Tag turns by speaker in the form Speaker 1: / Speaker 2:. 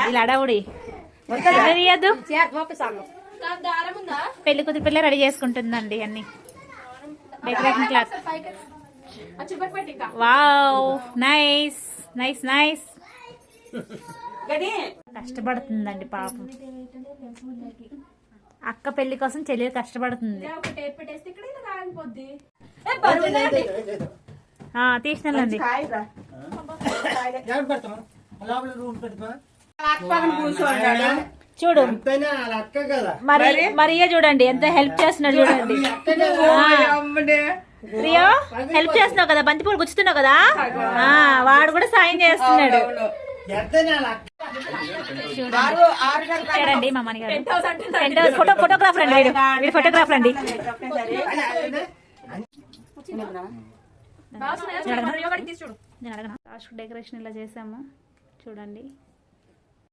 Speaker 1: ఇలా అడవుడి తీయద్దు. పెళ్లి కూతురు పిల్ల రెడీ చేసుకుంటుందండి అన్ని decoration cloth. Wow, nice nice nice. కష్టపడుతుందండి పాపం. అక్క పెళ్లి కోసం చెల్లెలు కష్టపడుతుంది. తీసినండి. చూడు మరియా చూడండి ఎంత హెల్ప్ చేస్తున్నాడు చూడండి. రియో హెల్ప్ చేస్తున్నావు కదా, బంతిపూలు గుచ్చుతున్నావు కదా, వాడు కూడా సాయం చేస్తున్నాడు. చూడండి మా మణిగారు ఫోటోగ్రాఫర్ అండి, వీడు ఫోటోగ్రాఫర్ అండి. నేను అడగనా. డెకరేషన్ ఇలా చేసాము చూడండి.